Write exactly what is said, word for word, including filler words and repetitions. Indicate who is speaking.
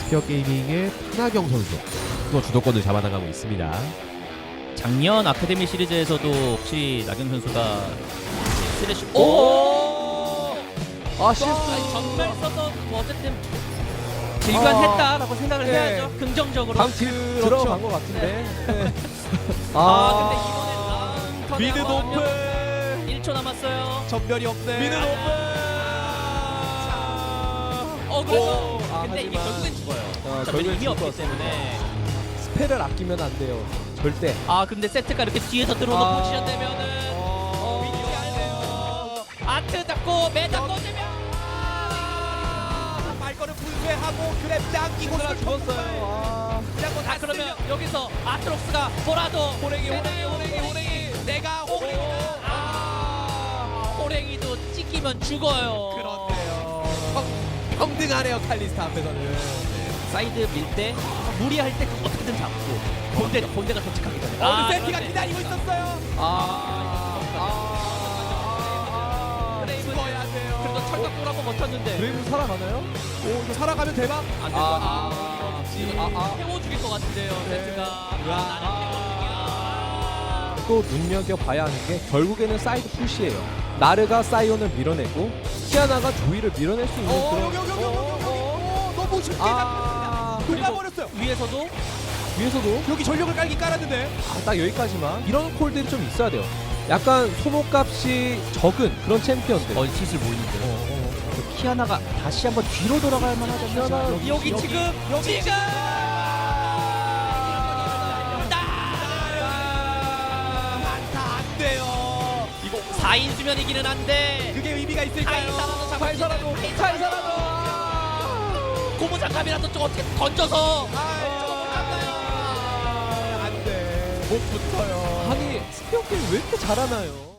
Speaker 1: 스피어 게이밍의 하나경 선수 또 주도권을 잡아나가고 있습니다.
Speaker 2: 작년 아카데미 시리즈에서도 혹시 나경 선수가 스레쉬 오!
Speaker 3: 아 실수.
Speaker 2: 아니, 정말 써서 뭐 어쨌든 질관했다라고 생각을
Speaker 3: 네.
Speaker 2: 해야죠. 긍정적으로.
Speaker 3: 방팀 들어간 것 같은데. 네.
Speaker 2: 아, 근데 이번엔 아,
Speaker 4: 미드 높은
Speaker 2: 일 초 남았어요.
Speaker 4: 전멸이 없네. 미드 높은.
Speaker 2: 어 그래서
Speaker 3: 오, 아,
Speaker 2: 근데 이게
Speaker 3: 하지만-
Speaker 2: 결국엔 죽어요.
Speaker 3: 아,
Speaker 2: 전멸이
Speaker 3: 결국엔
Speaker 2: 의미 없기
Speaker 3: 죽을 것
Speaker 2: 때문에.
Speaker 3: 스펠을 아끼면 안 돼요. 절대.
Speaker 2: 아 근데 세트가 이렇게 뒤에서 들어오는
Speaker 3: 아.
Speaker 2: 포지션 되면은
Speaker 4: 어,
Speaker 2: 위치 알네요. 아트 잡고 매장 꽂으면
Speaker 4: 아, 말거는 불회하고 그랩 당기고
Speaker 3: 하나 죽었어요. 아.
Speaker 4: 그냥 뭐
Speaker 2: 아 그러면 여기서 아트록스가 뭐라도
Speaker 4: 호랭이 호랭이
Speaker 2: 되나요?
Speaker 4: 호랭이 호랭이 내가 호랭이.
Speaker 2: 아 호랭이도 찍히면 죽어요.
Speaker 4: 그렇네요. 평, 평등하네요 칼리스타 앞에서는.
Speaker 2: 사이드 밀 때 무리할 때 어떻게든 잡고 본대 본대가 도착하기 전에.
Speaker 4: 어,
Speaker 2: 아,
Speaker 4: 세티가
Speaker 2: 그런데
Speaker 4: 기다리고 있었어요.
Speaker 3: 아. 아.
Speaker 2: 브레이브
Speaker 4: 죽어야 돼요.
Speaker 2: 그래도 철각골 한번 버텼는데
Speaker 3: 브레이브 살아가나요?
Speaker 4: 오, 이거 살아가면 대박.
Speaker 2: 안 될 것
Speaker 3: 아,
Speaker 2: 같아요.
Speaker 3: 아, 아.
Speaker 2: 태워 죽일 것 같은데요 세트가.
Speaker 3: 아. 또 눈여겨봐야 하는 게 결국에는 사이드 푸시예요. 나르가 사이온을 밀어내고 키아나가 조이를 밀어낼 수 있는
Speaker 4: 어,
Speaker 3: 그런.
Speaker 4: 여기 여기 여기 여기 여기. 오, 너무 쉽게
Speaker 3: 아.
Speaker 4: 녹아버렸어요.
Speaker 2: 위에서도
Speaker 3: 위에서도
Speaker 4: 여기 전력을 깔긴 깔았는데.
Speaker 3: 아, 딱 여기까지만. 이런 콜들이 좀 있어야 돼요. 약간 소모값이 적은 그런 챔피언들.
Speaker 2: 어 슬슬 보이는데.
Speaker 3: 어, 어.
Speaker 2: 키아나가 다시 한번 뒤로 돌아갈 만하죠.
Speaker 3: 키아나
Speaker 2: 여기, 여기,
Speaker 4: 여기,
Speaker 2: 지금
Speaker 4: 여기.
Speaker 2: 지금
Speaker 4: 안타 안 돼요. 이거
Speaker 2: 사 인 수면 이기는 한데
Speaker 4: 그게 의미가 있을까요?
Speaker 2: 카이사라도 잡
Speaker 3: 카이사라도, 카이사라도.
Speaker 2: 고무 장갑이라도 좀 어떻게 던져서
Speaker 4: 안 돼. 못 붙어요.
Speaker 3: 아니 스피어 게임 왜 이렇게 잘하나요?